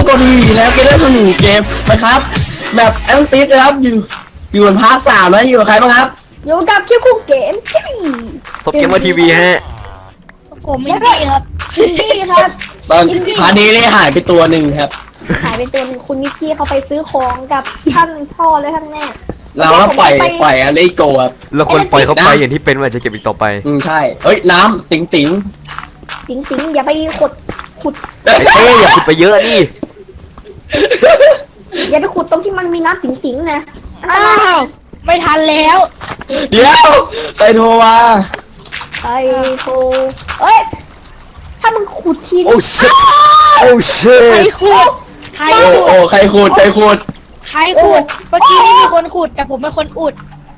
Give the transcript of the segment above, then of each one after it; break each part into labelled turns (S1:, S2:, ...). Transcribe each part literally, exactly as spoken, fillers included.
S1: กดวีแล้วเกมเล่นสนุกเกมนะครับแบบแอนติสนะครับอยู่อยู่บนพาร์ทสามนะอยู่กับใครบ้างครับ
S2: อยู่กับคิวคุกเกมที่
S3: ซบเกมมาทีวีฮะ
S4: ผมไม่ดีครับ
S2: อินดี้ครับ
S1: ตอนพาร์ทนี้ได้หายไปตัวหนึ่งครับ
S2: หายไปตัวนึงคุณนิกกี้เขาไปซื้อของกับท่านพ่อและท่านแม่
S1: เราก็ปล่อยปล่อยอะไรโกครับ
S3: เราควรปล่อยเขาไปอย่างที่เป็นว่าจะเก็บอีกต่อไป
S1: อืมใช่เฮ้ยน้ำติ๋งติ๋ง
S2: ติ๋งติ๋งอย่าไปขุดขุด
S3: เอ้ยอย่าขุดไปเยอะดิ
S2: อย่าไปขุดตรงที่มันมีน้ำติ๋งติ๋งนะ
S4: อ้าวไม่ทันแล้ว
S1: เดี๋ยวไปโทรมา
S2: ไปโทรเอ้ยถ้ามึงขุดที
S3: โอ้ชิตโอ้ชิต
S4: ใครขุดใครขุด
S1: โอ้ใครขุดใครขุด
S4: ใครขุดเมื่อกี้นี่มีคนขุดแต่ผมเป็นคนอุด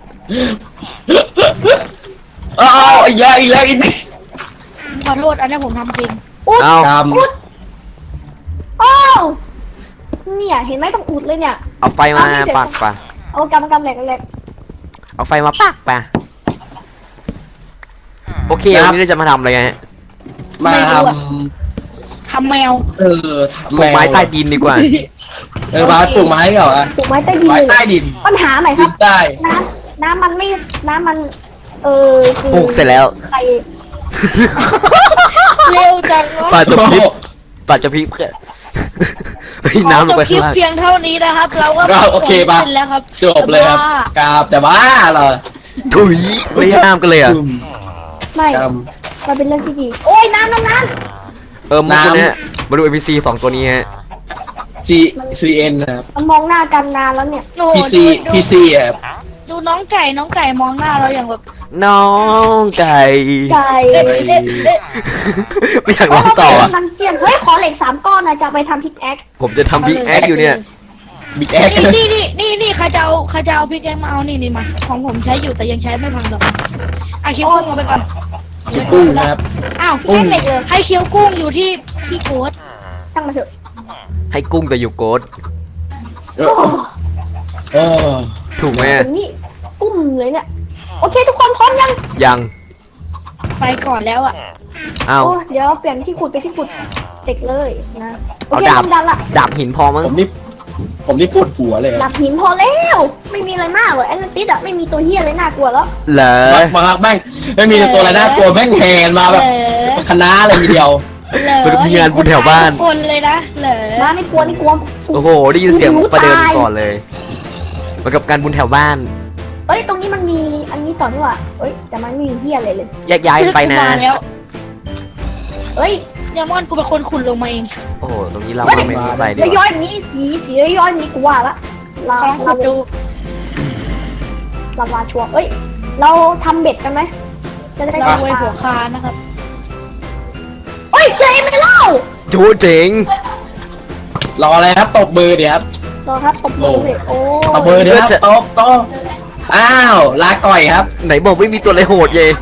S1: อ้าวอีกแล้วอีกแล้วอีก
S4: ขอโทษอันนี้ผมทำจริง
S2: อุด
S3: เอา
S2: อุดอ้าวเนี่ยเห็นไหมต้องอุดเลยเนี่ย
S3: เอาไฟมาปักปะ
S2: เอากำกำแหลกแหลก
S3: เอาไฟมาปักปะโอเควันนี้เราจะมาทำอะไรกัน
S1: มาท
S4: ำทำแมว
S1: เออ
S3: ปลูกไม้ใต้ดินดีกว่า
S1: เออมาปลูกไม้เหรอ
S2: ปลูกไม้ใต้ดิน
S1: ไม้ใต้ดิน
S2: ปัญหาไหนครับ
S1: ได้
S2: น้ำน้ำมันไม่น้ำมันเออ
S3: ปลูกเสร็จแล้ว
S2: ใคร
S4: เร็วจังวะ
S3: ป่าจะพริบป่าจะพริบเพื่อน้ำลงไปข้างล่าง
S4: เพียงเท่านี้นะครับเราก็
S1: โอเคป่ะ
S4: แล้วครับ
S1: จบเลยครับกราบแต่ว่าเหรอ
S3: ถุยไม่ห้ามกันเลยอ่ะ
S2: ไม่มันเป็นเรื่องที่ดีโอ้ยน้ำน้ำน้ำ
S3: เออมาตัวเนี้ยมาดู เอ็ม พี ซี สองตัวนี้ฮะ
S1: C C N นะครับ
S2: มันมองหน้ากันนานแล้วเนี่ย
S1: P C P C อ่ะ
S4: ดูน้องไก่น้องไก่มองหน้าเราอย่างแบบ
S3: น้องไก่
S2: ไก่
S3: ไม่อยากร้องต่ออ่ะ
S2: นังเจียนเฮ้ยขอเหล็กสามก้อนนะจะไปทำพิกแอค
S3: ผมจะทำพิกแอคอยู่เนี่ย
S1: บิ๊กแอค
S4: นี่นี่นี่นี่ใครจะเอาใครจะเอาพิกแอคมาเอานี่นี่มาของผมใช้อยู่แต่ยังใช้ไม่พังหรอกอ่ะคิวกุ้งเอาไปก่อน
S1: คิวกุ้งนะครับ
S4: อ้าว
S2: เหล็กเลย
S4: ให้คิวกุ้งอยู่ที่ที่โกด
S2: ตั้งมาเถอะ
S3: ให้กุ้งแต่อยู่โกด
S1: เออ
S3: ถูกไหม
S2: นี่อุ้มเลยเนี่ยโอเคทุกคนพร้อมยัง
S3: ยัง
S4: ไปก่อนแล้วอ่ะ
S3: เอา
S2: เดี๋ยวเปลี่ยนที่ขุดไปที่ขุดเด็กเลยนะโอเค
S3: ดาบ
S2: ดันละ
S3: ดาบหินพอมั้ง
S1: ผมนี่ผมนี่ปวดหัวเลย
S2: ดาบหินพอแล้วไม่มีอะไรมากหรอกแอตแลนติสอะไม่มีตัวเฮียอะไรน่ากลัวแล้ว
S3: เหรอ
S1: มาแม่งไม่มีตัวอะไรน่ากลัวแม่งแหนมาแบบคณะอะไรทีเดียว
S3: เป็นมีงานบุญแถวบ้าน
S4: คนเลยนะเหรอ
S2: มาไม่กลัวไม่กลัว
S3: โอ้โหได้ยินเสียงประเดิมก่อนเลยเหมือนกับการบุญแถวบ้าน
S2: เอ้ยตรงนี้มันมีอันนี้ต่อนี่ว่ะเอ้ยแต่มันไม่มีเฮียอะไรเลย
S3: แยกย้ายไปนะ
S2: เอ้ย
S4: ยามอนกูเป็นคนขุดลงมาเอง
S3: โอ้โหตรงนี้เราไม่ไปดิ
S2: ย้อยๆนี้สีสีย้อยๆนี้กูว่าละ
S4: ลองขุดดู
S2: ลาวาชัวร์เอ้ยเราทำเบ็ดกันไหม
S4: จะได้รวยหัวคานะครับ
S2: เอ้ยเจไม่เล่า
S3: โจเจ๋ง
S1: รออะไรครับตบมือเดี๋ยวครับ
S2: รอครับตบมือเลยโอ้
S1: ตบมือเดี๋ยวครับตบตบอ้าวลาก่อยครับ
S3: ไหนบอกไม่มีตัวอะไรโหดเย่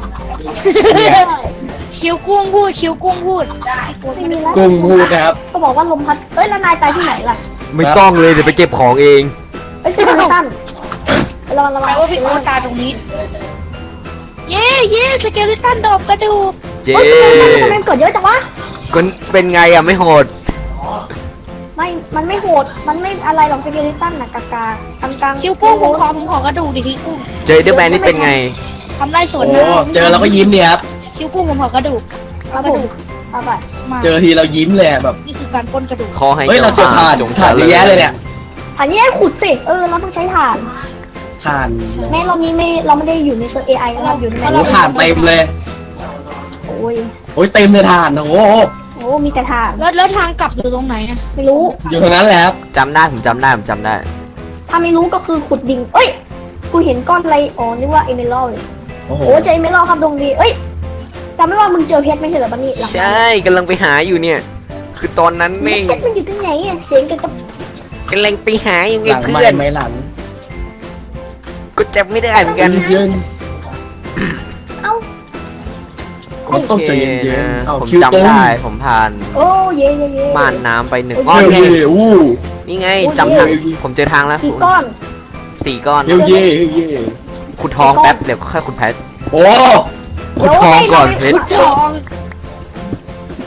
S4: คิวกุ้งพูดคิวกุ้งพูด
S1: กุ้งพูดนะครับ
S2: ก็บอกว่าลมพัดเอ้ยแล้วนายตายที่ไหนล่ะ
S3: ไม่ต้องเลยเดี๋ยวไปเก็บของเอง
S2: ไอ้ซิลิตันระวังระวัง
S4: ว่าพี่โอตาตรงนี้เย่เย่สเกลิตันดอกกระดูก
S3: เย่
S2: ทำไมเกิดเยอะจังวะ
S3: ก็เป็นไงอ่ะไม่โหด
S2: ไม่มันไม่โหดมันไม่อะไรหรอกสเกลิตันน่ะกากากลางๆ
S4: คิวกุ้งผมขอผมขอกระดูกดิคิวกุ้ง
S3: เจอเดอร์แมนนี่เป็นไง
S4: ทำได้สวน
S1: นะเจอแล้วก็ยิ้มเนี่ยครับ
S4: คิวกุ้งผมขอกระดูก
S2: กระดูกเอาไป
S1: เจอทีเรายิ้มเลยแบบ
S4: นี่คือการปล้นกระดูก
S3: คอให้
S1: เฮ้ยเราเจอถ่านถ่านเยอะแยะเลยเนี่ย
S2: ถ่านเยอะขุดสิเออเราต้องใช้ถ่าน
S1: ถ่าน
S2: แม่เรานี้ไม่เราไม่ได้อยู่ในเซิร์ฟ เอ ไอ เราอยู่ใน
S1: โอ้ถ่านเต็มเลย
S2: โอ้ย
S1: โอ้ยเต็มเลยถ่านโอ้โห
S2: โอ้มีแต่ถ่าน
S4: แล้วแล้วทางกลับอยู่ตรงไหนอะ
S2: ไม่รู้
S1: อยู่ตรงนั้นแหละครับ
S3: จำได้ผมจำได้ผมจำได้
S2: ถ้าไม่รู้ก็คือขุดดิ่งเอ้ยกูเห็นก้อนอะไรอ๋อนึกว่าเอเมอรัลด์โอ้โหเจอเอเมอรัลด์ครับตรงนี้เอ้ยจำไม่ว่ามึงเจอเพชรไม่ใช่เหรอบันนี่
S3: ใช่กำลังไปหาอยู่เนี่ยคือตอนนั้นแม่ง
S2: เพชรมันอยู่ตรงไหนอ่ะเสียงกับ
S3: กำลังไปหาอยู่ไงเพื่อน
S1: ไม่หลัง
S3: ก็จำไม่ได้เหมือนกัน
S2: เอ้า
S1: ผมต้องใจเย็นๆ
S3: ผมจำได้ผมผ่าน
S2: โอ้เย่เย่เย่
S3: ม่านน้ำไปหนึ่งก้อนไงนี่ไงจำทางผมเจอทางแล้ว
S2: สี่ก้อน
S3: สี่ก้อน
S1: เย่เย่เย่
S3: ขุดทองแป๊บเดี๋ยวค่อยขุดเพชร
S1: โอ้
S3: ขุดทองก่อนเพชร
S4: ทอง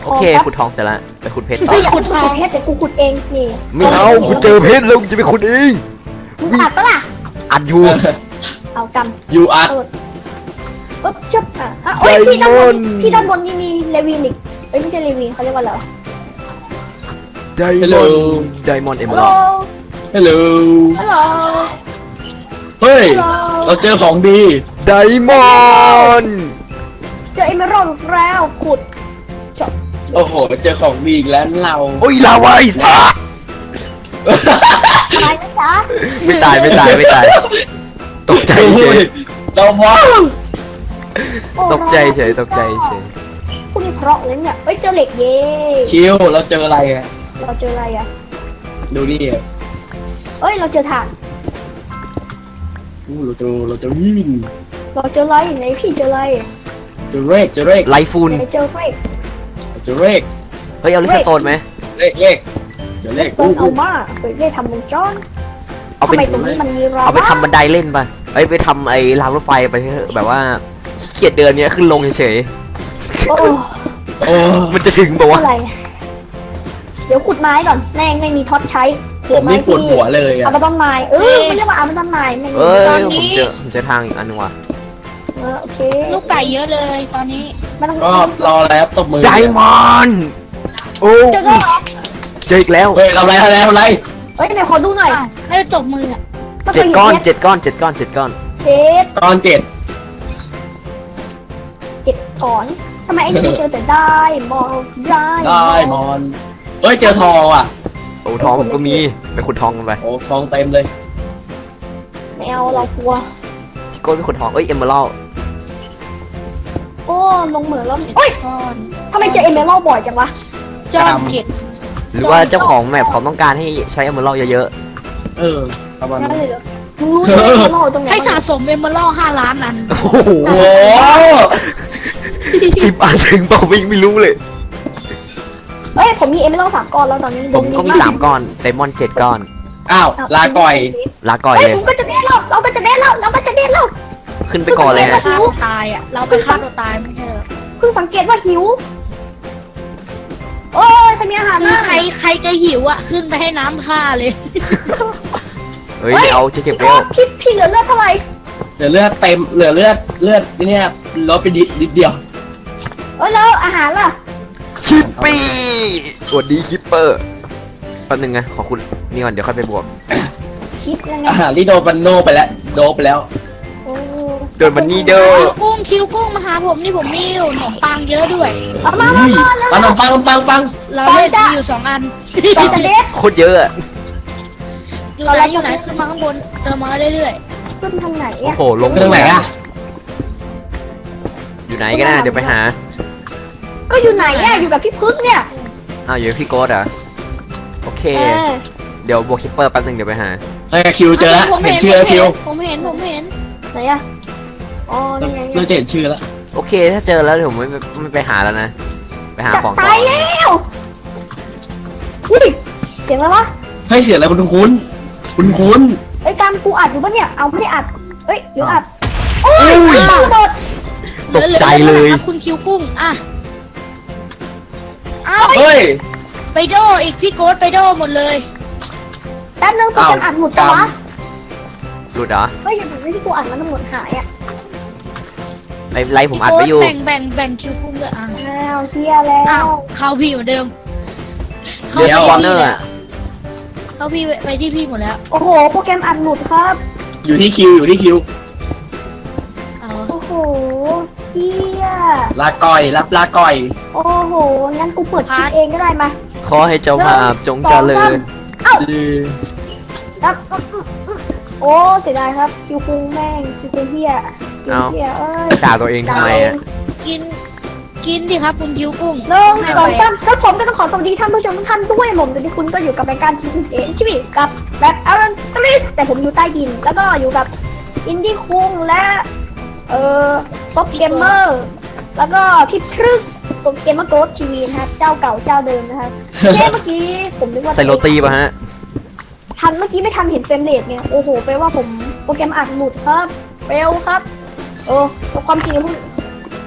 S3: โอเคขุดทองเสร็จแล้วไปขุดเพชรต่อ
S2: เฮ้ยขุดทองแค่แต่กูขุดเองนี่
S3: ไม่เอากูเจอเพชรแล้วกูจะไปขุดเอง
S2: มึงอัดปะล่ะ
S3: อัดอยู่
S2: เอาก
S1: ยูอาร์
S2: ำเปิดปึ๊บจับอ่ะอ่ะโอ้ยพี่ด้านบนพี่ด้านบนนี่มีเลวินอีกเอ้ยไม่ใช่เลวินเขาเรียกว่าอะไรวะ
S3: ไดมอนด์ไดมอนด์เอ
S2: ฮั
S3: เม
S2: ล
S3: อ
S2: โหล
S3: รัล
S1: ฮัลโหล
S2: ฮัลโหล
S1: เฮ้ย
S2: ฮัลโหล
S1: เราเจอของดี
S3: ไดมอนด์
S2: เจอเอเมอรัลด์แล้วขุดจบ
S1: โอ้โหเจอของดีอีกแล้วเรา
S3: โอ้ยลาวาไอ้สัส
S2: อะไรนะจ๊ะ
S3: ไม่ตายไม่ตายไม่ตายตกใจเฉย
S1: เราว้าว
S2: โอ้
S3: ตกใจเฉยตกใจเฉย
S2: พวกนี้เพราะเลยเนี่ยเอ้ยเจอเหล็กเย่
S1: คิวเราเจออะไรอ่ะ
S2: เราเจออะไรอ่ะ
S1: ดูนี่อ่ะ
S2: เอ้ยเราเจอถ่าน
S1: อู้เราเจอเราเจอวิ่ง
S2: เราเจออะไรไหนพี่เจออะไร
S1: เจอเรกเจอเรก
S3: ไลฟูน
S2: ไหนเจอเฟก
S1: เจอเรก
S3: เฮ้ยเอาลิสโตนไหม
S1: เลขเลขเจอเลข
S2: เปิดเอามาเปิดได้ทำวงจร
S3: เอา
S2: ทำ
S3: เป็น
S2: ไมตรงนี้มันมีรา
S3: เอาไปทำบันไดเล่นป่ะเอ้ยไปทำไอ้รางรถไฟไปเถอะแบบว่าขี้เกียจเดินเนี้ยขึ้นลงเฉย
S2: โอ้
S1: โอ้
S3: ๆมันจะถึงป่าวะ
S2: อะไรเดี๋ยวขุดไม้ก่อนแม่งไม่มีท็อตใช้
S1: ผมนี่ปวดหัวเลยอ่ะ
S2: เอามาต้นไม้เออมันเรียกว่าเอามาต้นไม้ไม่มี
S3: เอ้
S4: ตอย นนี้
S3: ผมเจอผมเจอทางอีกอันนึงว่ะ
S2: เออโอเค
S4: ลูกไก่เยอะเลยตอนนี้
S2: มันต้อง
S1: ก็รอแล้วตบมือ
S3: ไดมอนด์โอ้
S2: เจอแล้วเหรอ
S3: เจออีกแล้ว
S1: เฮ้ยทำไรทำไรทำไร
S2: เอ้ยไหนขอดูหน่อย
S4: อ้าวให้ตบมืออะ
S3: เจ็ดก้อนเจ็ดก้อนเจ็ดก้อนเจ็ดก้อน
S2: เจ็ด
S1: ตอนเจ็ด
S2: เจ็ดก่อนทำไมไอ้นี่มันเจอแต่ได้มองได้
S1: ได้มอนเฮ้ยเจอทองอ่ะ
S3: โอ้ทองผมก็มีไปขุดทองกันไป
S1: โอ้ทองเต็มเลย
S2: ไม่เอาเรากลัว
S3: พี่โก้ไปขุดทองเอ้ยเอมเมอรัลด์
S2: โอ้ลงเหมืองแล้วโอ้ย
S4: ก้อน
S2: ทำไมเจอเอเมอรัลด์บ่อยจังวะ
S4: จอมเก็ด
S3: หรือว่าเจ้าของแมปเขาต้องการให้ใช้เอมเมอรัลด์เยอะ
S1: เออประมาณ
S2: นั่น
S1: นั้น
S2: เลยเหรอมึงรู้ไหมเอเมอรัลด์ตรงไหน
S4: ให้สะสมเอมเมอรัลห้าล้านอัน
S3: ๆโอ้โห
S1: โอ้โห
S3: สิบอันถึงเปล่าไม่ไม่รู้เลย
S2: เอ้ยผมมีเอเมอรัลด์สามก้อนแล้วตอนนี้
S3: ผมก็มีสามก้อนไดมอนด์เจ็ดก้อน
S1: อ้าวลาก่อย
S3: ลาก่อย
S2: เฮ้ย
S3: เลย
S2: ผมก็จะเด้นแล้วเราก็จะเด้นแล้วเราก็จะเด้นแล้ว
S3: ขึ้นไปก่อนเลย
S4: ไป
S3: ฮะ
S4: ฆ่าตัวตายอ่ะ เราไปฆ่าตัวตายไม่ใช่เหรอ
S2: เพิ่งสังเกตว่าหิวโอ้ยใครมีอาหาร
S4: คือ
S2: บ้าง
S4: ใครใครจะหิวอ่ะ ขึ้นไปให้น้ำฆ่าเลย
S3: เฮ้ยเอาจะเก็บเร็ว
S2: พี่พี่เหลือเลือดเท่าไหร่
S1: เหลือเลือดเต็มเหลือเลือดเลือดเนี่ยลดไปนิดนิดเดียว
S2: เอ้ยแล้วอาหารล่ะ
S3: คิปปี้สวัสดีคิปเปอร์แป๊บนึงนะขอคุณนี่ก่อนเดี๋ยวค่อยไปบวก
S2: ชิปยังไง
S1: อาหารที่โดนบันโนไปแล้วโดนไปแล้ว
S2: โอ้
S3: เดินมันนี่เด้อ
S4: คิวกุ้งคิวกุ้งมาหาผมนี่ผมมีอยู่ขนมปังเยอะด้วย
S2: เอามา
S1: อุ้
S2: มาย มา
S1: ปังปังปังปัง
S4: เราเล่นมีอยู่สองอัน
S2: เราจะเด็ด
S3: โคตรเยอะอะ
S4: อยู่ไหนอยู่ไหนขึ้นมาข้างบนเดินมาเรื่อย
S2: ขึ้นทางไหน
S3: โอ้
S2: อ่ะ
S3: โหลง
S1: เรื่องไหนอ่ะ
S3: อยู่ไหนกันนะเดี๋ยวไปหา
S2: ก็อยู่ไหนอ่ะอยู่กับพี่พึกเนี่ย
S3: อ้าวอยู่กับพี่โก้ดเหรอโอเค
S2: เออ
S3: เดี๋ยวบวกคิปเปอร์แป๊บนึงเดี๋ยวไปหา
S1: เฮ้ยคิว
S4: ๆ
S1: เจอแล้ว
S4: ผม
S1: เห็น
S4: เห็น
S1: ชื่อแล้วคิว
S4: ผมเห็นผมเห็น
S2: ไหนอ่ะอ๋อนี่ไง
S1: เราจะเห็นชื่อแล้ว
S3: โอเคถ้าเจอแล้วเดี๋ยวผมไม่ไม่ไม่ไปหาแล้วนะไปหา
S2: จะ
S3: ของต่
S2: ตาย
S3: อ
S2: แล้วอุ้ยเสียงอะไรวะ
S1: ให้เสียงอะไรคุณคุ้นคุณคุ้น
S2: เอ้ยการกูอัดอยู่ปะเนี่ยเอาไม่ได้อัดเอ้ยเดี๋ยวอัดโอ้ยตายหมด
S3: ตกใจเลย
S4: หอๆคุณคิวกุ้งอ่ะเอ้า
S1: เฮ้ย
S4: ไปโดอีกพี่โก๊ตไปโดหมดเลย
S2: แป๊บนึงกู
S1: อ้าว
S2: จะอัดหมดปะวะ
S3: หลุดเหรอ
S2: เฮ้ยอย่าบอกว่าที่กูอัดมันต้องหมดหายอ่ะ
S3: ไล่ไล่ผม
S4: พี่
S3: อัด
S4: โก๊
S3: ไป
S4: ต
S3: อยู่
S4: แบ่งแบ่งแบ่งคิวกุ้งด้วยอ่ะ
S2: อ้าวเฮียแล้
S4: อ้าว
S2: ว
S4: เข้าพี่เหมือนเดิม
S3: เจอสปอนเนอร์อะ
S4: เข้าพี่ไปที่พี่หมดแล้ว
S2: โอ้โหโปรแกรมอัดหลุดครับ
S1: อยู่ที่คิวอยู่ที่คิว
S4: เอา
S2: โอ้โหเฮีย
S1: ลาก่อยรับลาก่อย
S2: โอ้โหงั้นกูเปิดคลิปเองก็ได้มา
S3: ขอให้เจ้าภาพจงเจริญ
S2: เอ้า
S1: ดี
S2: ครับโอ้เสียดายครับคิวคุงแม่งคิวคุงเฮียคิวเฮียเอ้ย
S3: ด่าตัวเองทำไมอะ
S4: กิน กินดิครับคุณคิวกุ้ง
S2: หนึ่งสองสามแล้วผมก็ต้องขอสวัสดีท่านผู้ชมทุกท่านด้วยผมตอนนี้คุณก็อยู่กับรายการทีวีเอ็นชีวิตกับแบบอารันตริสแต่ผมอยู่ใต้ดิน แล้วก็อยู่กับอินดี้คุงและเอ่อป๊อปเกมเมอร์แล้วก็พี่พรึกตัวเกมเมอร์โกรธทีวีนะครับเจ้าเก่าเจ้าเดิมนะครับเมื่อกี้ผมนึกว่า
S3: ใส่โรตีป่ะฮะ
S2: ทันเมื่อกี้ไม่ทันเห็นเฟรมเรทเนี่ยโอ้โหแปลว่าผมโปรแกรมอัดหลุดครับเฟลครับเออความจริงพูด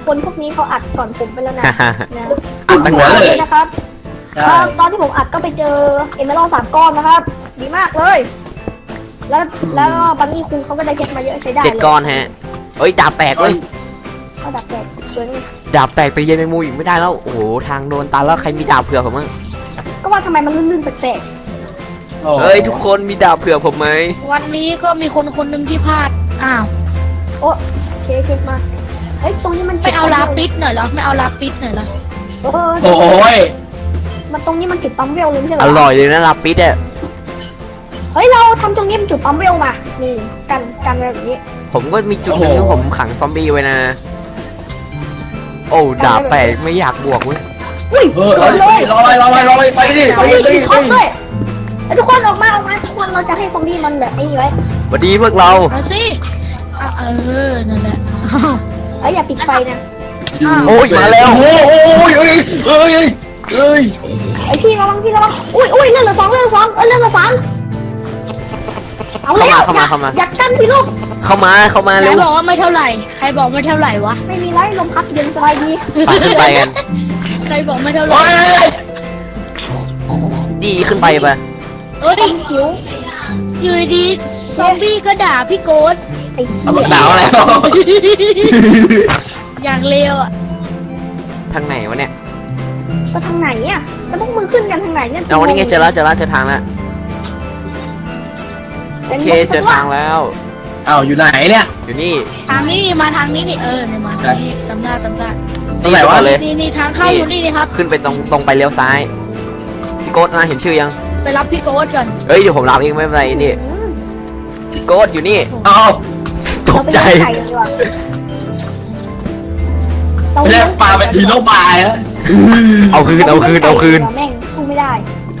S2: คนพวกนี้เขาอัดก่อนผมไปแล้วนะนะ
S3: อัดตั้งนานเลย
S2: นะครับ
S1: ใช่
S2: เอ่อตอนที่ผมอัดก็ไปเจอเอเมอรัลสามก้อนนะครับ ดีมากเลย แล้วแล้วบันนี่คุงเขาก็ได้เพชรมาเยอะใช้ได้
S3: เจ็ดก้อนฮะเอ้ยดาบแตกเลย
S2: เขาดับแตกสวยนี่
S3: ดาบแตกตีเย็นแมงมุมอีกไม่ได้แล้วโอ้โหทางโดนตันแล้วใครมีดาบเผื่อผมมั้ง
S2: ก็ว่าทำไมมันลื่นๆแปลก
S1: โอ้
S3: เฮ้ยทุกคนมีดาบเผื่อผมไหม
S4: วันนี้ก็มีคนคนหนึ่งที่พลาดอ้าว
S2: ๆโอ้เคเคมาเฮ้ยตรงนี้มัน
S4: ไม่เอาลาปิดหน่อยเหรอไม่เอาลาปิดหน่อยเหรอ
S2: เออ
S1: โอ้ย
S2: มันตรงนี้มันจุดปั๊มเวลเลยไม่ใช่เหร
S3: อ
S2: อ
S3: ร่อยเลยนะลาปิดอ่ะ
S2: เฮ้ยเราทำตรงนี้เป็นจุดปั๊มเวลมานี่กันกันอะไรแบบนี้
S3: ผมก็มีจุดหนึ่งที่ผมขังซอมบี้ไว้นะโอ้ดาบแตกไม่อยากบวกเว้ย
S2: อุ้ย
S1: เออเอาดิรออะไรรออะไรรออะไรไปดิ
S2: ซ
S1: ไป
S2: อม
S1: ดิ
S2: บี้
S1: ไป
S2: กิ
S1: ดิ
S2: น
S1: ไป
S2: ท็อป
S1: ดิ
S2: ด้วยไอ้ยทุกคนออกมาออกมาทุกคนเราจะให้ซอมบี้มันแบบไอ้นี่ไว้
S3: สวัสดีพวกเรา
S4: เอาสิอ่ะเออนั่นแหละ
S2: เอ้ยอย่าปิดไฟนะ
S3: โอ้ยมาแล้ว
S1: โอ้ยโอ้ยเอ้ยเอ้ยเอ้ย
S2: ไอ้พี่ระวังพี่ระวังอุ้ยอุ้ยเลื่อนเหลือสองเลื่อนเหลือสองเอ้ยเลื่อนเหลือสามเอาแล้ว
S3: เข้ามาเข้ามา
S2: อย่ากันพี่ลูก
S3: เข้ามาเข้ามา
S4: ใคร
S3: เร็ว
S4: บอกว่าไม่เท่าไหร่ ใครบอกไม่เท่าไหร่วะ
S2: ไม่มีไรลมพัดเย็นสบายดี
S3: ไปขึ้นไปกัน
S4: ใครบอกไม่เท่าไหร่
S1: โอ้ย
S3: ดีขึ้นไปปะ
S4: เอ้ย
S2: จิ๋ว
S4: อยู่ดีๆซอมบี้ก็ด่าพี่โกด
S2: ไอ้
S1: เอามาด่าอะไร
S4: อย่างเลวอ่ะ
S3: ทางไหนวะเนี่ย
S2: ก็ทางไหนอ่ะแล้วพวกมึงขึ้นกันทางไหนเนี่ย
S3: เอาวันนี้ไงเจอแล้วเจอแล้วเจอทางแล้วโอ
S2: เป็น
S3: เคเจอทางแล้ว
S1: เอาอยู่ไหนเนี่ย
S3: อยู่นี่
S4: ทางนี้มาทางนี้นี่เออเนี่ยมาทางนี้จำได้จำได้
S1: ตรงไหนวะ
S3: ก่อนเลย
S4: นี่นี่ทางเข้าอยู่นี่นี่ครับ
S3: ขึ้นไปตรงตรงไปเลี้ยวซ้ายพี่โกดนะเห็นชื่อยัง
S4: ไปรับพี่โกดก่อน
S3: เฮ้ยเดี๋ยวผมรับเองไม่เป็นไรนี่
S2: อืม
S3: พี่โกดอยู่นี่
S1: เอา
S3: ต
S2: เรา
S3: ก
S2: ไป
S3: ใจ
S2: เลี้ยงไก่กันดีกว่าเรา
S1: ไม่
S2: เลี้
S1: ได้
S2: ยง
S1: ปลาเป็นฮีโร่บายฮะ
S3: เอาคืนเอาคืนเอาคืน
S2: แม่งสู้ไม่ได้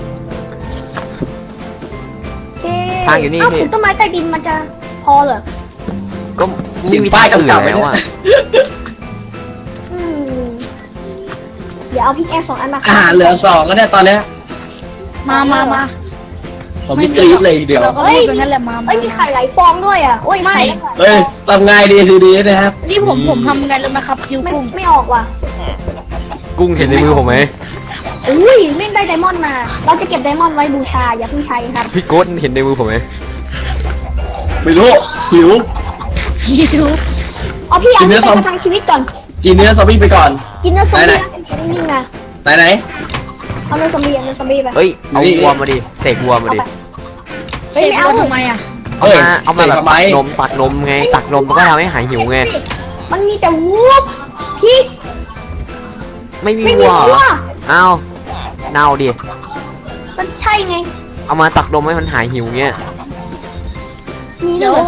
S2: โอเค
S3: ทางอยู่นี่
S2: เอ้า
S3: พี่
S2: ถึงต้นไม้ใต้ดินมันจะพอเหรอ
S3: ก็ไม่มีทางอื่นแล้วอ่ะ
S2: อืมเดี๋ยวเอาพิกแอสสองอันมา
S1: อาหารเหลือสองแล้วเนี่ยตอนเนี้ย
S4: มามามา
S1: ผมไม่กรี๊ดเลยทีเดียว
S4: เราก็พูดเป็นงั้นแหละมา
S2: เอ้ยมีไข่หลายฟองด้วยอ่ะโอ้ย
S4: ไม่
S1: เฮ้ยทำไงดีทีดีนะครับ
S4: นี่ผมผมทำไงรู้ไหมครับคิว
S2: ไม่
S4: กุ้ง
S2: ไม่ออกว่ะ
S3: กุ้งเห็นในมือผมไหม
S2: อุ้ยไม่ได้ไดมอนด์มา เราจะเก็บไดมอนด์ไว้บูชาอย่าเพิ่งใช้ครับ
S3: พี่โกดเห็นในมือผมไหม
S1: ไม่รู้หิว
S4: คิว
S2: เอาพี่เอา
S1: กินเนื้
S2: ไป
S1: อซอม
S2: ประทังชีวิตก่อน
S1: กินเนื้อซอมบี้ไปก่อน
S2: กินเนื้อซอม
S1: ไหน
S2: บี้นิ่งๆนะ
S1: ไหนไหน
S2: เอาเนื้อซอมบี้เอาเนื้อซอมบี้ไป
S3: เฮ้ยเอา
S1: นี่
S3: วัวมาดิเสกวัวมาดิ
S4: เฮ้ยไม่เอาทำไมอ่ะ
S3: เอา
S1: เฮ้ย
S3: มาเอามาแบบ
S1: เสกทำไม
S3: ตักนมตักนมไงตักนมมันก็ทำให้หายหิวไง
S2: มันมีแต่วูบพี่
S3: ไม่มี
S2: ไม่มี
S3: วัวเหร
S2: วัว
S3: อเอาเน่าดิ
S2: มันใช่ไง
S3: เอามาตักนมให้มันหายหิวเงี้ย
S2: มี
S4: เดี๋
S2: เนื้
S4: ยว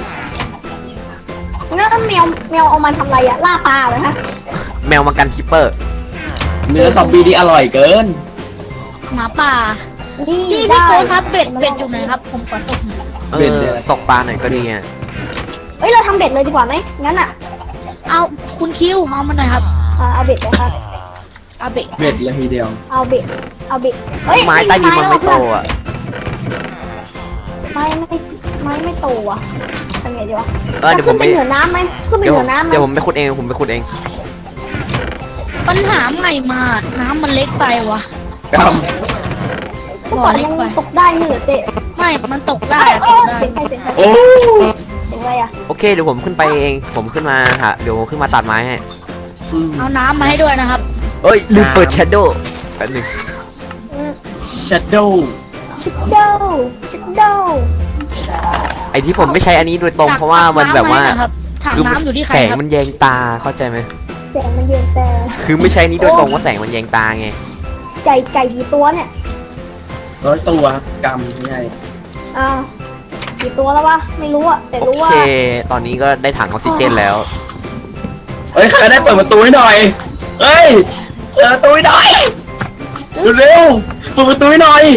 S2: องั้นแมวแมวเอามาทำอะไรอะล่าปลาเหรอฮะ
S3: แมวมากันคิปเปอร์
S1: เนื้อซอมบี้นี่อร่อยเกิน
S4: หมาป่า
S2: นี่
S4: พี่
S2: ได้
S4: พี่โกดครับเบ็ดเบ็ดอยู่ไหนครับ ผมขอตกหน่อย
S3: เอ
S1: เบ็ด
S3: อ
S1: เนี่ย
S3: ตกปลาหน่อยก็ดีไง
S2: เฮ้ยเราทำเบ็ดเลยดีกว่าไหมงั้นอะ
S4: เอาคุณคิวเอามาหน่อยครับ
S2: อ่าเอาเบ็ดเลยครับ
S4: เอาเบ็ด
S1: เบ็ดเลยทีเดียว
S2: เอาเบ็ดเอาเบ็ดเฮ้ย
S3: ไม้ใต้ดินมันไม่โต
S2: แล้ว
S3: อ่ะ
S2: ไม้ไม่ไม้ไม่โตอ่ะทำไงดีวะ
S3: เออเดี๋ยวผม
S2: ขึ้น
S3: ไป
S2: ไปเหนือน้ำไหมขึ้นไป
S3: เดี๋ยว
S2: เหนือน้ำไหม
S3: เดี๋ยวผมไปขุดเองผมไปขุดเอง
S4: ปัญหาใหม่มา น้ำมันเล็กไปวะ
S1: ก
S2: เมื่อก่อนยังตกได้ไม่เหรอเจ๊
S4: ไม่ มันตกได้
S2: เอ้ย
S4: อะ
S2: เอ้
S4: ต
S2: ย
S4: กได้
S2: เสียงใครเสียงใคร
S1: ำโอ้
S2: เสียงอะไรอ่ะ
S3: โอเคเดี๋ยวผมขึ้นไปเองผมขึ้นมาฮะเดี๋ยวผมขึ้นมาตัดไม้ให้
S4: เอาน้ำมาให้ด้วยนะครับ
S3: เอ้ยลืมเปิดแชโดว์แป๊บนึง
S1: ชัดโดว์
S2: ชิดโดชิดโด
S3: ไอที่ผมไม่ใช้อันนี้โดยตรงเพราะว่ามันแบบว่า
S4: ถัง
S3: คือ
S4: น้ำอยู่ที่ใคร
S3: แสง
S4: ครับ
S3: มันแยงตาเข้าใจไหม
S2: แสงมันเย็นแต่
S3: คือไม่ใช้นี้โดยตรงว่าแสงมันแยงตาไง
S2: ไก่ไก่กี่ตัวเนี่ย
S1: ร้อยตัวครับกำง่าย
S2: อ้าวกี่ตัวแล้ววะไม่รู้อ่ะแต่
S3: โอ
S2: รู้ว่า
S3: เค ตอนนี้ก็ได้ถังออกซิเจนแล้ว
S1: เฮ้ยใครได้เปิดประตูให้หน่อยเฮ้ยเปิดประตูให้หน่อยเร็วๆเปิดประตูให้หน่อย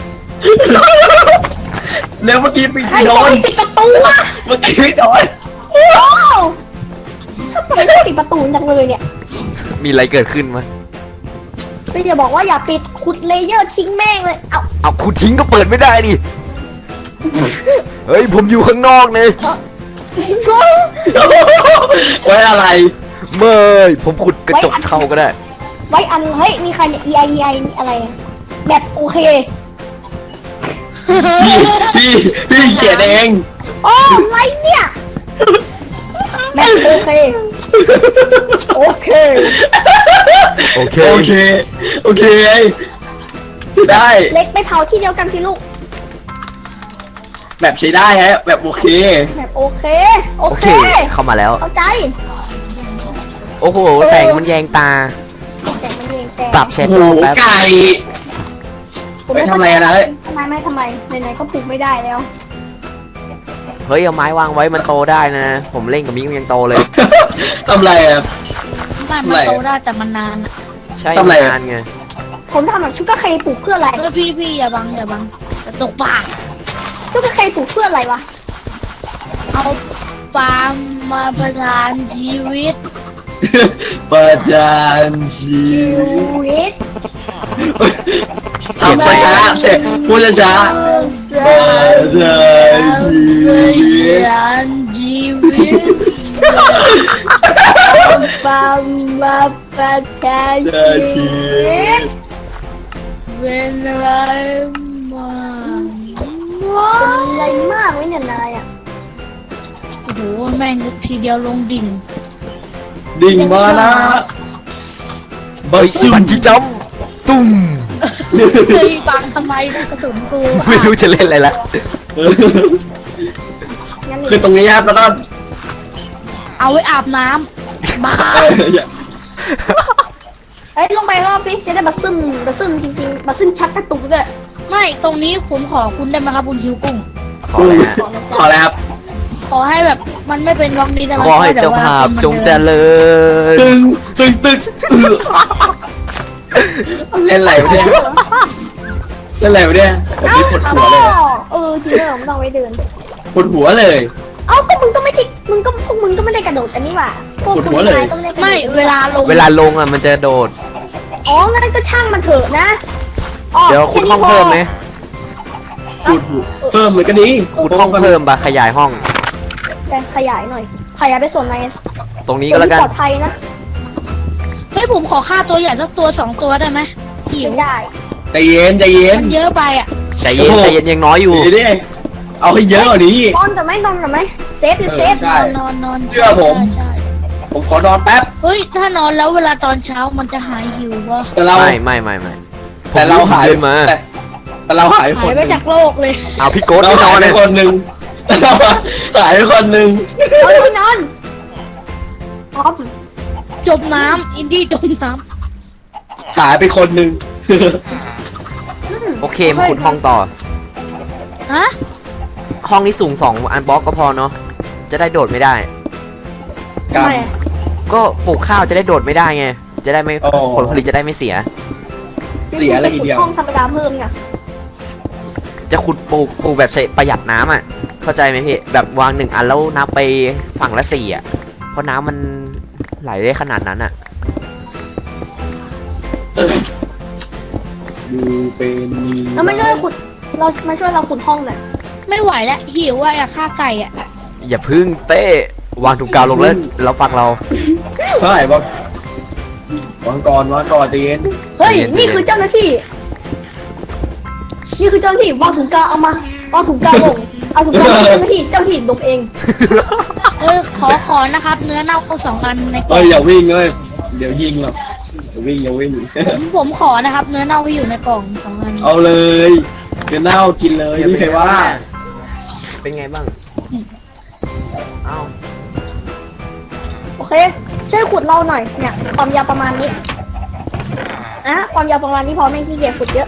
S1: เร็วเมื่อกี้ปิด
S2: ใคร
S1: ไม่โด
S2: บอก
S1: น
S2: ให้ปิดประตูวะ
S1: เมื่อกี้ไม่โดน
S2: โอ้ทำไมไม่ปิดประตูจังเลยเนี่ย
S3: มีอะไรเกิดขึ้นมั้ย
S2: พี่จะบอกว่าอย่าปิดขุดเลเยอร์ทิ้งแม่งเลย เอา
S3: เอาคุณทิ้งก็เปิดไม่ได้ดิ เฮ้ยผมอยู่ข้างนอกเลย
S1: ไว้อะไร
S3: เมยผมขุดกระจกเข้าก็ได้
S2: ไว้อันเฮ้ยมีใครเนี่ย E I E I นี่อะไรอะแบบโอเค
S1: พี่พี่พี่เขียนเอง
S2: โอ้อะไรเนี่ยแบบโอเคโอเค
S3: โอเค
S1: โอเคโอเคใช้ได้
S2: เล็กไปเผาที่เดียวกันสิลูก
S1: แบบใช้ได้ฮะแบบโอเค
S2: แบบโอเคโอ
S3: โอ
S2: เค
S3: เคเข้ามาแล้ว
S2: เข้าใจ
S3: โอ้โหแสงมันแยงตา
S2: แต่มันเองแต่
S3: ปรับแช
S1: โอ้
S3: ท
S1: โห
S3: โลแป๊บ
S1: ไก่
S2: ผม
S1: ไปทำอะไรอะนะ
S2: ทำไมไม่ทำไมไหนๆก็ปลูกไม่ได้แล้ว
S3: เฮ้ยเอาไม้วางไว้มันโตได้นะ ผมเล่นกับมิ้งยังโตเลย
S1: ทำอะไรอะ
S4: ไม่มันโตได้แต่มันนานอะ
S3: ใช่
S1: ทำอะไรอะ
S3: นานไง
S2: ผมทำแบบชุกกระเคปลูกเพื่ออะไร
S4: เออพี่พี่อย่าบังอย่าบังจะตกปาก
S2: ชุกกระเคปลูกเพื่ออะไรวะ
S4: เอาฟาร์มมาประทานชีวิต
S1: ประจานชี
S2: ชี
S1: วิต
S2: วิต
S1: ทำช้าๆเสร็จพูดช้าๆประจานชีวิต
S4: นชีวิต
S2: ฟาร์มมาประทานชีวิต
S4: เป็นอะไรมา
S2: เป็นอะไรมากไหมเนี่ยนายอ่ะ
S4: โอ้โหแม่งทีเดียวลงดิ่ง
S1: ดิ่งมานะใบ
S3: เฮ้ย
S1: ซึม
S3: บันจีจัมป์ตุ้ม
S4: เฮ้ยบังทำไมกระสุนกู
S3: ไม่รู้จะเล่นอะไรละ
S2: งั้น
S1: คือตรงนี้ครับแล้วก็
S4: เอาไว้อาบน้ำบ้า
S1: เอออย่า
S2: เอ้ยลงไปรอบสิจะได้บัสซึมบัสซึมจริงๆบัสซึมชักกระตุกด้วย
S4: ไม่ตรงนี้ผมขอคุณได้ไหมครับคุณคิวกุ้ง
S3: ขอเลยฮะ
S1: ขอแล้วครับ
S4: ขอให้แบบมันไม่เป็นล็อกนี้ได้ไหม
S3: ขอให้เจ้าภาพจงเจริญ
S1: ตึงตึงตึงเล่นอะไรวะเนี่ยเล่นอะไรวะเนี่ยแบบนี้ปวดหัวเลย
S2: เออจริงเหรอมันต้องไว้เดิน
S1: ปวดหัวเลย
S2: เอ้าก็มึงก็ไม่ทิมึงก็พวกมึงก็ไม่ได้กระโดดอันนี้ว่ะพวก
S1: ปวดหั
S2: คุณ
S1: วเลย
S2: นายก็ไม่ได้กระโดด
S4: ไม่เวลาลง
S3: เวลาลงอ่ะมันจะโดด
S2: อ๋องั้นก็ช่างมันเถอะนะอ๋อ
S3: เดี๋ยวคุณห้องเพิ่มไหม
S1: ปวดหัวเพิ่มเลยก็ดี
S3: คุณห้องเพิ่มปะขยายห้อง
S2: แต่ขยายหน่อยขยายไปส่วนใน
S3: ตรงนี้ก็แล้วกัน
S2: ปลอดภัยนะ
S4: เฮ้ยผมขอค่าตัวใหญ่สักตัวสองตัวได้ไหมหิว
S2: ไม่ได้
S1: ใจเย็นใจเย็น
S4: มันเยอะไปอ่ะ
S3: ใจเย็นใจเย็นยังน้อยอยู่
S1: ดีดิเอาให้เยอะกว่านี้
S2: นอนกับไหมนอนกับไหมเซฟหรือเซฟ
S1: ใช่
S4: นอนนอน
S1: เชื่อผม
S4: ใช่
S1: ผมขอนอนแป๊บ
S4: เฮ้ยถ้านอนแล้วเวลาตอนเช้ามันจะหายหิววะ
S1: แต่เรา
S3: ไม่ไม่ไม่ไม่
S1: แต่เราหาย
S3: เดินมา
S1: แต่แต่เราหายค
S4: หาย
S1: นห
S4: ไป
S1: นึ่ง
S4: จากโลกเลย
S3: เอาพี่โกด
S1: เรา
S3: ไม่น
S1: หา
S3: อย น
S1: ไป
S3: เลย
S1: คนหนึ่งเราหายไปคนหนึ่ง
S2: นอนนอนพร้อม
S4: จมน้ำอินดี้จมน้
S1: หายไปคนหนึ่ง
S3: โอเคมาขุดห้องต่อ
S4: ำฮะ
S3: ห้องนี้สูงสองอันบล็อกก็พอเนาะจะได้โดดไม่ได้
S1: กรรม
S2: ทำไมอะ
S3: ก็ปลูกข้าวจะได้โดดไม่ได้ไง จะได้ไม่
S1: โอ้
S3: ผลผลิตจะได้ไม่เสีย
S1: เสียอะไรทีเดียว
S2: ห้องธรรมดาเพิ่มเนี่ย
S3: จะขุดปลูกปลูกแบบใช้ประหยัดน้ำอ่ะ เข้าใจไหมพี่แบบวางหนึ่งอันแล้วนับไปฝั่งละสี่อ่ะ เพราะน้ำมันไหลได้ขนาดนั้นอ่ะ
S1: ดูเป็น
S2: แล้วมาช่วยขุดเรามาช่วยเราขุดห้องหน่อย
S4: ไม่ไหวแล้วหิวอ่ะอยากฆ่าไก่อ่ะ
S3: อย่าพึ่งเต้วางถุงกาวลงแล้วเราฟังเรา
S1: เท่าไหร่บอกวางก่อนวางก่อนใจเย็น
S2: เฮ้ย
S3: ใจเย็น
S2: นี่คือเจ้าหน้าที่ นี่คือเจ้าหน้าที่วางถุงกาวเอามาวางถุงกาวลงเอาถุงกาวลงเจ้าหน้าที่เจ้าหน้าที่ดมเอง
S4: เออขอขอนะครับ เนื้อเน่าสองอันในกล่
S1: เอ้
S4: อย ง
S1: อย่าวิ่งเลยเดี๋ยวยิงหรอกอย่าวิ่งอย่าวิ่ง
S4: ผมผมขอนะครับ เนื้อเน่าที่อยู่ในกล่องสองอัน
S1: เอาเลยเดี๋ยวเน่ากินเลยไม่มีใครว่า
S3: เป็นไงบ้างเอ้า
S2: โอเค ช่วยขุดเราหน่อย เนี่ย ความยาวประมาณนี้นะความยาวประมาณนี้พอไม่ขี้เกียจขุดเยอะ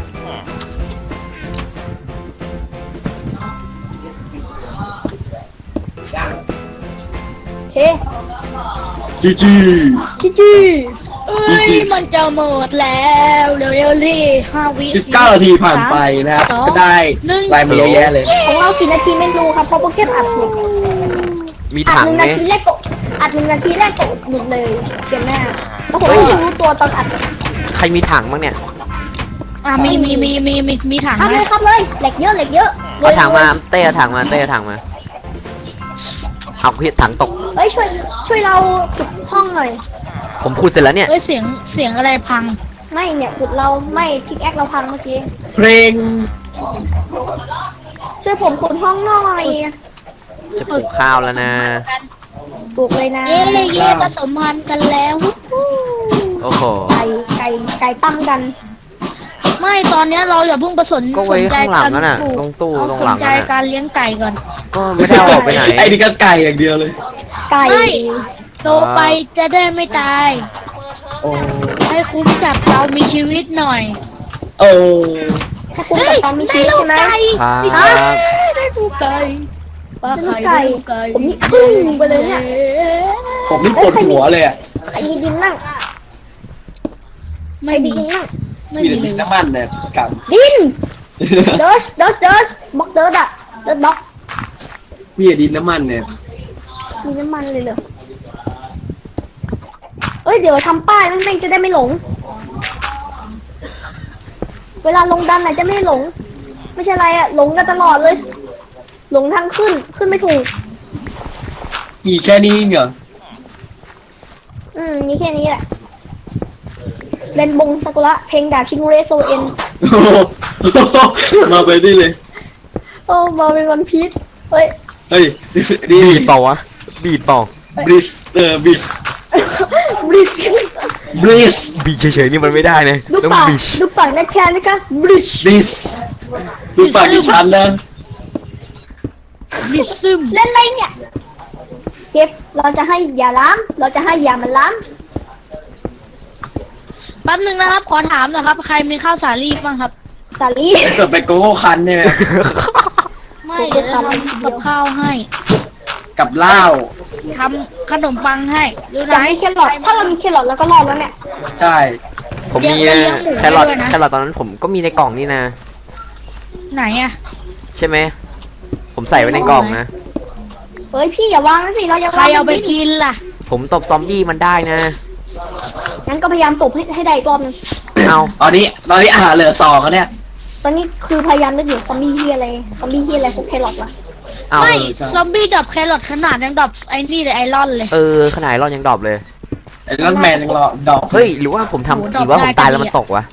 S2: โอเค
S1: จีจี
S2: จีจี
S4: เอ้ยมันจะหมดแล้วเร็วๆรีห้าวิ
S1: สิบเก้านาทีผ่านไปนะครับ
S4: สอง
S1: ก็ได้
S4: หนึ่ง
S1: ลายมาเยอะแยะเลย
S2: ของเรากี่นาทีไม่รู้ครับเพราะโปรแกรมอัดหมด
S3: มี
S2: อัด
S3: ถัง
S2: หนึ่ง
S3: ไหม
S2: นาทีแรกก็อัดหนึ่งนาทีแรกก็หลุดเลยเกมหน้าแล้วผม
S3: เฮ้
S2: ก็
S3: ย
S2: เพิ่งรู้ตัวตอนอัด
S3: ใครมีถังบ้างเนี่ย
S4: อ่ะมีมีมีมีมีมีถัง
S2: ครับ
S4: ไหม
S2: เลยครับเลยเหล็กเยอะเหล็กเยอะ
S3: เอาถังมาเต้เอาถังมาเต้เอาถังมาเอาพี่ถังตก
S2: เฮ้ยช่วยช่วยเราขุดห้องหน่อย
S3: ผมขุดเสร็จแล้วเนี่ย
S4: เอ้ยเสียงเสียงอะไรพัง
S2: ไม่เนี่ยขุดเราไม่ทิกแอคเราพังเมื่อกี้
S1: เพลง
S2: ช่วยผมขุดห้องหน่อย
S3: จะปลูกข้าวแล้วนะ
S2: ปลูกเลยนะ
S4: เย่เย่ผสมพันธุ์กันแล้ววู้ฮู้
S3: โอ้โห
S2: ไก่ไก่ไก่ตั้มกัน
S4: ไม่ตอนเนี้ยเราอย่าเพิ่งประสน
S3: ก็
S4: ส
S3: ไว้
S4: นใจ
S3: ข้างหลั
S4: กาง ร
S3: นั่นน่ะ
S4: ปลูก
S3: ตรงตู้
S4: เอา
S3: ตรง
S4: ส
S3: หลั
S4: น
S3: ง
S4: ใจ
S3: นั่นน่ะ
S4: การเลี้ยงไก่ก่อน
S3: ก็ไม่ได้เอาออกไปไหน
S1: ไอ้นี่ก็ไก่อย่างเดียวเลย
S2: ไก่
S4: ไม่โตไปจะได้ไม่ตาย
S1: โอ้
S4: ให้คุ้มกับเรามีชีวิตหน่อย
S1: โอ้
S2: ถ้าคุณ
S4: เฮ้
S2: กับ
S4: ย
S2: ตอนมีชี
S4: ได้
S2: วิต
S4: ลูก
S2: ใช่ไหม
S4: ไก่
S3: ครับ
S4: ได้ลูกไก่ปลาไข่
S2: ได้
S4: ได้
S2: ลู
S4: ลู
S2: ก
S4: ก
S2: ไก่
S4: ไก่
S2: ผมนี่อึ้งไปเลยเนี่ย
S1: ผมนี่ปวดหัวเลยอ่ะ
S2: ไอ้มีดินนั่ง
S4: ไม่
S2: ไอ้
S4: มี
S2: ดินนั่ง
S4: ไม่
S1: มี
S4: มี
S1: แต่
S4: เล
S1: ดิน
S4: ย
S1: น้ำมันเนี่ยกับ
S2: ดินเดิร์ชเดิร์ชเดิร์ชบล็อกเดิร์ชอะเดิร์ชบล็อก
S1: มีแต่ดินน้ำมันเนี่ย
S2: มีน้ำมันเลยเหรอเอ้ยเดี๋ยวทำป้ายแม่งๆจะได้ไม่หลง เวลาลงดันไหนจะไม่หลง ไม่ใช่อะไรอะหลงกันตลอดเลย หลงทางขึ้นขึ้นไม่ถูก
S1: มีแค่นี้เหรอ
S2: อืมมีแค่นี้แหละเรนบงซากุระเพลงดาบชิงเรโซเอ็น
S1: โอ้โหมาไปนี่เลย
S2: โอ้มาเป็นวันพีชเฮ้ย
S1: เฮ้ยนี่
S3: บีดเปล่าวะบีดเปล่า
S1: บริสเออบิส
S2: บริช
S1: บริส
S3: บีเฉยๆนี่มันไม่ได้นะ
S2: ดู
S3: ต้อง
S2: ปาก
S3: บีช
S2: ดูปากนัชชานะคะบริช
S1: บริสดูปากดิฉันนะ
S4: มิซึม
S2: เล่นอะไรเนี่ยเก็บเราจะให้อย่าล้ามเราจะให้อย่ามันล้าม
S4: แป๊บหนึ่งนะครับ ขอถามหน่อยครับ ใครมีข้าวสาลีบ้างครับ
S2: สาลี
S1: ถ้าเกิดไปโกโก้คันใช่ไหม
S4: ไม่เดี๋ยวจะทำกับข้าวให้
S1: กับเหล้า
S4: ทำขนมปังให้ดูไหน
S2: แต่มีแครอทถ้าเรามีแครอทเราก็รอดแล้วเนี่ย
S1: ใช่
S3: ผมมี
S4: เลี้ยงหมู
S3: แครอท
S4: ด้วยนะ
S3: แครอทตอนนั้นผมก็มีในกล่องนี่นะ
S4: ไหนอะ
S3: ใช่ไหมผมใส่ไว้ในกล่องนะ
S2: เฮ้ยพี่อย่าวางนะสิเราอย่า
S4: ใคร
S2: วาง
S4: เอาไปกินล่ะ
S3: ผมตบซอมบี้มันได้นะ
S2: งั้นก็พยายามตบให้ให้ได้อีกรอบหนึง
S3: เอา
S1: ตอนนี้ตอนนี้อาหารเหลือสองแล้วเนี่ย
S2: ตอนนี้คือพยายามนึกอยู่ซอมบี้ที่อะไรซอมบี้ที่อะไรพวกแครอทวะ
S3: เอา
S4: ไม่ซอมบี้ดับแครอทขนาดยังดับไอ้นี่เลยไอรอนเลย
S3: เออขนาดรอดยังดรอปเลย
S1: ไอ้นั่นแมนยังรอดอก
S3: เฮ้ยหรือว่าผมทำ
S4: โห
S3: หรือว่าผม
S4: ดรอปได้
S3: ตายแล้ว
S4: ก็ดี
S3: มัน
S4: อะ
S3: ตกวะ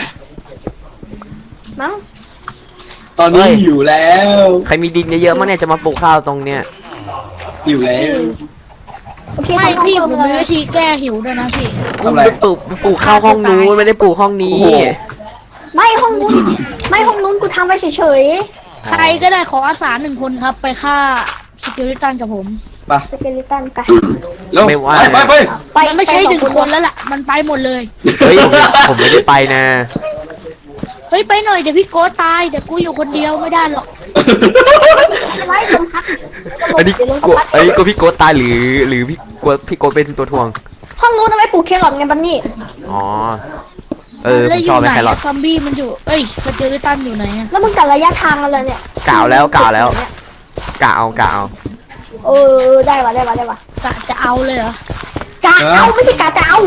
S2: มั้ง
S1: ตอนนี้
S3: เฮ้ย
S1: หิวแล้ว
S3: ใครมีดินเยอะๆมั้งเนี่ยจะมาปลูกข้าวตรงเนี้ย
S1: หิวแล้ว
S2: โอเค
S4: ไม่
S2: ทำ
S4: พี่
S2: ห้อง
S4: ผม
S2: เล
S4: มี
S2: ย
S4: วิธีแก้หิวด้วยนะพี่
S3: กูไปปลูกไปปลูกข้าวห้องนู้นไม่ได้ปลูกห้องนี้
S1: โอ้โห
S2: ไม่ห้องนู้นไม่ห้องนู้นกูทำไว้เฉย
S4: ใครก็ได้ขออาสาหนึ่งคนครับ ไปฆ่าสกิลิตันกับผม
S1: ไป
S2: ๆสเกลิตันไป
S1: เร็ว
S3: ไม่ว่า
S1: ไปไปไป
S2: ไป
S4: มันไม่ใช่
S2: ป
S4: หนึ่ง
S2: สอ
S4: คนแล้วล่ะ มันไปหมดเลย
S3: เฮ้ยผมผมไม่ได้ไปนะ
S4: เฮ้ยไปหน่อยเดี๋ยวพี่โก้ตายเดี๋ยวกูอยู่คนเดียวไม่ได้หรอก
S2: ไล่ลมพัด
S3: อันนี้
S2: เดี๋ยวลม
S3: กลัว
S2: พัด
S3: อันนี้กลัวพี่โกดตายหรือหรือพี่กลัวพี่โกดเป็นตัวทวง
S2: ห้องนู้นเอาไว้ปลูกแครอทไงบันนี่
S3: อ๋อ เออผ
S4: แล้ว
S3: ม
S4: อ
S3: ชอยู่ บ
S4: ไห
S3: ไป
S4: น
S3: แครอท
S4: อะซอมบี้มันอยู่ เอ้ยสกิลิตันอยู่ไหนอะ
S2: แล้วมึงกัดระยะทางอะไรเนี่ย
S3: กล่าวแล้วกล่าวแล้วกล่าวเอากล่าวเอา
S2: เออได้ว่ะได้ว่ะได้ว่ะ
S4: กะจะเอาเลยเหรอ
S2: กะเอาไม่ใช่กะจะเอา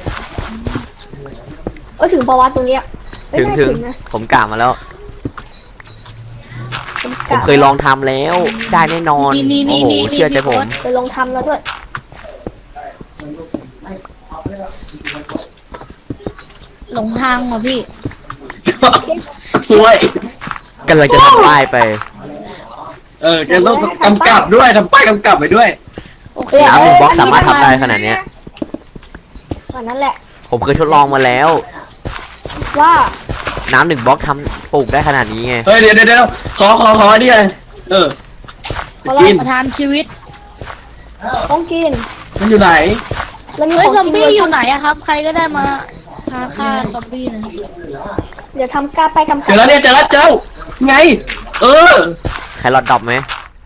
S2: เออถึงประวัติตรงเนี้ยไม่
S3: ถึง
S2: น่า
S3: ถึง
S2: นะ
S3: ผมกล่าวมาแล้ว ผมเคยลองทำแล้ว ได้แน่นอน
S4: นี่นี่
S3: โอ้
S4: นี่
S3: โห
S4: นี่
S3: เชื่อใจผม
S2: เคยลองทำแล้วด้วย
S4: หลงทางเหรอพี่
S1: ช่วย
S3: กำลังจะทำป้ายไป
S1: เออแกต้องกำกับด้วยทำป้ายกำกับไปด้วย
S4: โอเค
S3: น้ำหนึ่งบล็อกสามารถทำได้ขนาดเนี้ย
S2: อันนั้นแหละ
S3: ผมเคยทดลองมาแล้ว
S2: ว่า
S3: น้ำหนึ่งบล็อกทำปลูกได้ขนาดนี้ไง
S1: เฮ้ยเดี๋ยวเดี๋ยวเดี๋ยวขอขอขอนี่เลยเออจะกิน
S4: ประทานชีวิต
S2: ต้องกิน
S1: มันอยู่ไหน
S2: แล้วมี
S4: เฮ้ย
S2: ข
S4: ซ
S2: อ
S4: อง ม
S2: กิน
S4: บี้
S2: ด้วย
S4: อยู่ไหนอะครับ ใครก็ได้มาพาฆ่าซอมบี้หน่อย
S2: เดี๋ยวทำกาไปกำกั
S1: เจอแล้วเนี่ยเจอแล้วเจอไง เออ
S3: แครอทดรอปไหม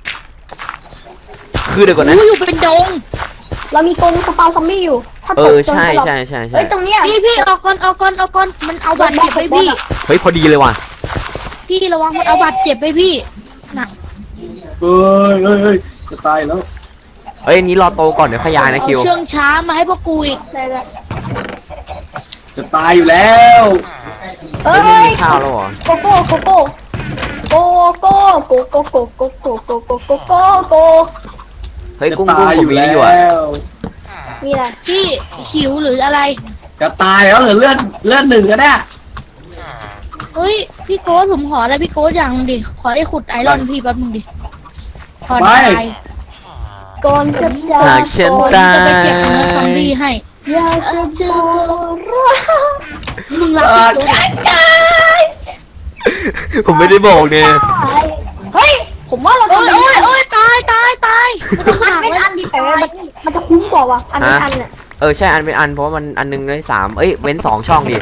S3: คือเดี๋ยวก่อนนะ
S4: อู้อยู่เป็นดง
S2: เรามีกรงสปาวซอมบี้อยู่ ถ้า
S3: เอ
S2: ตก
S3: อ
S2: จน
S3: ใช่
S2: สลบ
S3: ใช่ใช่ใช่
S2: เฮ้ยตรงเนี้ย
S4: พี่พี่เอาก่อนเอาก่อนเอาก่อนมันเอาบาดเจ็บไปพี่
S3: เฮ้ยพอดีเลยว่ะ
S4: พี่ระวังมันเอาบาดเจ็บไปพี่น่ะ
S1: เฮ้ยเฮ้ยเฮ้ยจะตายแล้ว
S3: เอ้ยอันนี้รอโตก่อนเดี๋ยวขยายนะ
S4: เอา
S3: คิว
S4: เชื่องช้ามาให้พวกกูอีก
S2: ได้แล้ว
S1: จะตายอยู่แล้ว
S2: เอ้
S3: เฮ้ยไม่
S2: ย
S3: มีข้าวแล้วเหรอ
S2: โกโก้โกโก้โกโก้โกโก้โกโก้โกโก้โกโก้โกโก้
S3: เฮ้ย
S1: จะ
S3: กุ้ง
S1: ตา
S3: กุ้ง
S1: ย
S3: ผ
S1: อ
S3: ม
S1: ยู่
S3: มี
S1: แล้
S3: นี่อยู่อะ
S1: ว
S2: มีอะไร
S4: พี่หิวหรืออะไร
S1: จะตายแล้วเหรือเลือดเลือดหนึ่งก็ได้
S4: เฮ้ยพี่โก้ผมขอได้พี่โก้อย่างหนึ่งดิขอได้ขุดไอรอนพี่แป๊บนึงดิขอได้
S2: ก่อนจะจาก
S3: หากฉัน
S4: ผม
S3: ตา
S4: จะไปเก็บเนื้อซอมบี้
S3: ย
S4: ให้
S2: อยากจะเจอรัก
S4: มึงรัก
S1: เอ
S4: พี่
S1: อ
S4: โก้
S2: ตาย
S3: ผมไม่ได้บอกเนี่ย
S2: เฮ้ยผมว่าเรา
S4: โอ้ย
S2: ทำ
S4: โอ้ยโอ้ยตายตายตาย
S2: อันเป็นอันดีแต่ว่ามันมันจะคุ้มกว่าวะอันเป็นอันน่ะ
S3: เออใช่อันเป็นอันเพราะว่ามันอันหนึงได้สามเอ้ยเว้นสองช่องดิ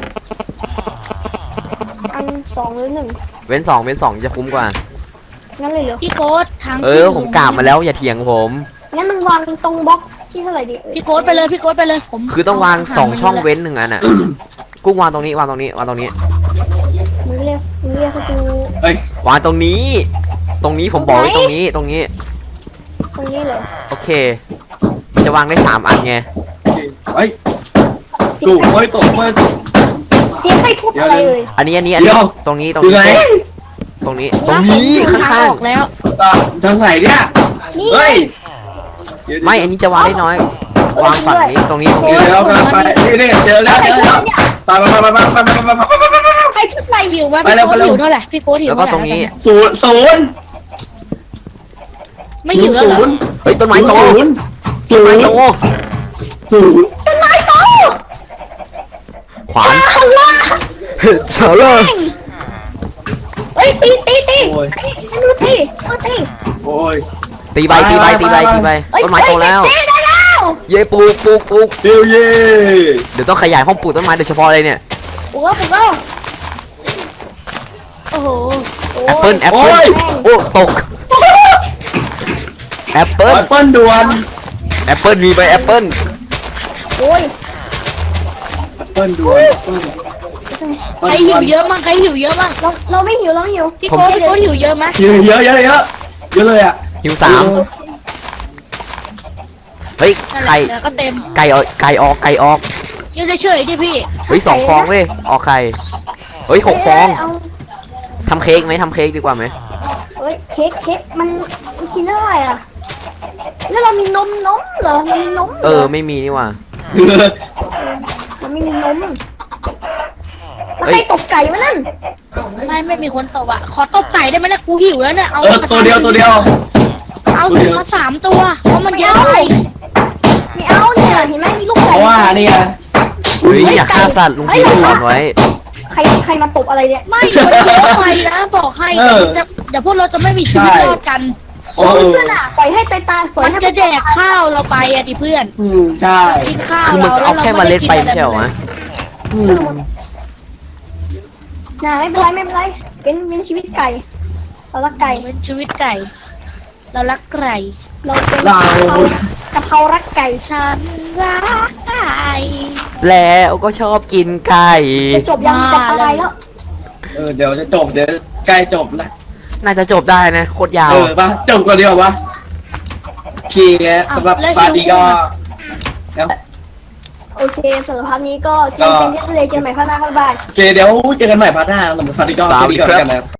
S2: อันสองหรือหนึ่ง
S3: เว้นสองเว้นสองจะคุ้มกว่า
S2: งั้นเลยเหรอ
S4: พี่โก้ทาง
S3: เออผมกราบมาแล้วอย่าเถียงผม
S2: งั้นมึงวางตรงบล็อกที่เท่าไหร่ดีเอ้ย
S4: พี่โก้ไปเลยพี่โก้ไปเลยผม
S3: คือต้องวางสองช่องเว้นหนึ่งอันอ่ะ กุ้งวางตรงนี้วางตรงนี้วางตรงนี้
S2: มึงเรียกมึงเรียกสตู
S1: เอ้ยว
S3: างตรงนี้ ตรงนี้ผมบอกไว้ตรงนี้ตรงนี้
S2: ตรงนี้เหรอ
S3: โอเค มันจะวางได้สามอันไง
S1: เฮ้ย
S2: เสี
S1: ตู่
S2: ยง
S1: เฮ้ยตกเฮ้ย
S2: เสียงใครทุบอะไรเลย
S3: อันนี้อันนี้อันนี้
S1: เดี๋ยว
S3: ตรงนี้ตรง
S1: อยู่
S3: นี้
S1: ไหน
S3: ตรงนี้ตรงนี้
S4: ผม
S3: ข้าง
S4: ออกแล้ว
S1: อ่ะทางไหนเนี่ย
S2: นี่ไง
S1: เฮ้ย
S3: ๆไม่อันนี้จะวางได้น้อย วางฝั่งนี้ตรงนี้ตรง
S1: เดี๋
S3: นี้
S1: ยวเราไปนี่นี่เจอแล้วเจอแล้วไปไปไปไปไปไปไปไปไปไป
S2: ใครทุบอะไร
S4: หิวว่า
S1: ไป
S4: พี่
S1: เร็ว
S4: โก้
S1: ไปเร็ว
S4: หิวเท่าไหร่พี่โก้หิว
S3: แล้วก็
S4: เท่าไหร่
S3: ตรงนี้
S1: ศูนย์ศูนย์
S4: ไม่หิวแล้วเหรอ
S1: ศูนย์
S3: เฮ้ยต้นไม้โต
S1: ศูนย์ศู
S3: ต้น
S1: น
S3: ไม้
S1: ย์
S3: โต
S1: ศูนย์
S2: ต้นไม้โต
S3: ขวาน
S2: เอาว่า
S3: เฉลย
S2: เฮ้ยตีตีตีดูตีดูตี
S1: โอ้ย
S3: ตีใบตีใบตีใบตีใบ
S2: เอ้ย
S3: ต้นไม้โตแล้ว
S2: เจ๊ได้แล้ว
S3: เย้ปลูกปลูกปลูก
S1: เดียวเย่
S3: เดี๋ยวต้องขยายห้องปลูกต้นไม้โดยเฉพาะเลยเนี่ย
S2: ปลุกแล้วปลุกแล้วโอ้โห
S3: แอปเปิ้ลแอปเปิ้ลโอ้ตกแอปเปิ้ล
S1: แอปเปิ้ลด่วน
S3: แอปเปิ้ลมีใบแอปเปิ้ล
S2: โอ้ย
S1: แอปเปิ้ลด่วนแอปเปิ้ล
S4: ใครหิวเยอะมั้งใครหิวเยอะมั้ง
S2: เราเราไม่หิวเราไม่หิว
S4: พี่โก้พี่โก้หิวเยอะไหม
S1: เยอะเยอะเยอะเยอะเยอะเลยอ่ะ
S3: หิวสามเฮ้ยไข่
S4: เดี๋ยวก็เต็ม
S3: ไก่ออกไก่ออกไก่ออก
S4: ยืนเฉยๆดิพี่
S3: เฮ้ยสองฟองเว้ยออกไข่เฮ้ยหกฟอง
S2: เา
S3: ทำเค้กไหมทำเค้กดีกว่าไหม
S2: เฮ้ยเค้กเค้กมันมันกินได้อ่ะแล้วเรามีนมนมเหรอเรามีนมหร
S3: เออไม่มีนี่หว่า
S2: เราไม่มีนมแล้วใครตบไก่วะนั่น
S4: ไม่ไม่มีคนตบอ่ะขอตบไก่ได้ไหมนะกูหิวแล้วเนี่ยเอา
S1: เออตัวเดียวตัวเดียว
S4: เอาสิมาสามตัวเพราะมันเยอะไป
S2: ไม่เอาเนี่ยเห็นไหมมีลูก
S1: เพ
S2: ไก่
S1: ราะว่านี่ไง
S3: เฮ้ยอย่าฆ่าสัตว์ลุงพีสอนไว้
S2: ใครใครมาตบอะไรเนี่ย
S4: ไม่มันเยอะไปนะบอกให้เดี๋ยวมันจะเดี๋ยวพวกเราจะไม่มีชีวิตรอดกัน
S1: โอ้
S2: เพื่อนอ่ะปล่อยให้ตายตายปล่อย
S4: มัน
S2: ให้
S4: จะแดกข้าวเราไปอะดิเพื่อน
S1: อืมใช่
S4: กินข้าว
S3: คือมันก็เอาแค่เมาเล็ดไปไม่ใช่เหรอวะ
S1: อืม
S2: น่าไม่เป็นไรไม่เป็นไรเป็นเป็นชีวิตไก่เรารักไก่
S4: เป็นชีวิตไก่ เรารักไก่
S2: เราเป็น
S1: เรา
S2: กะเพรารักไก่
S4: ฉันรักไก่
S3: แล้วก็ชอบกินไก่
S2: จะจบยังจะตายแล้ว
S1: เออเดี๋ยวจะจบเดี๋ยวใกล้จบแล้ว
S3: น่าจะจบได้นะโคตรยาว
S1: เออปะจบก่อนเดียวปะโอเคสำหรับปาร์ตี้ก็แล้ว
S2: โอเคสำหรับพาร์ทนี้ก็เจอกันที่ทะเลเจอกันใหม่พาร์ทหน้าครับบ๊ายบาย
S1: โอเคเดี๋ยวเจอกันใหม่พาร์ทหน้าสำหรับปาร์ตี้ก็
S3: สวัสดีครับ
S1: กันนะ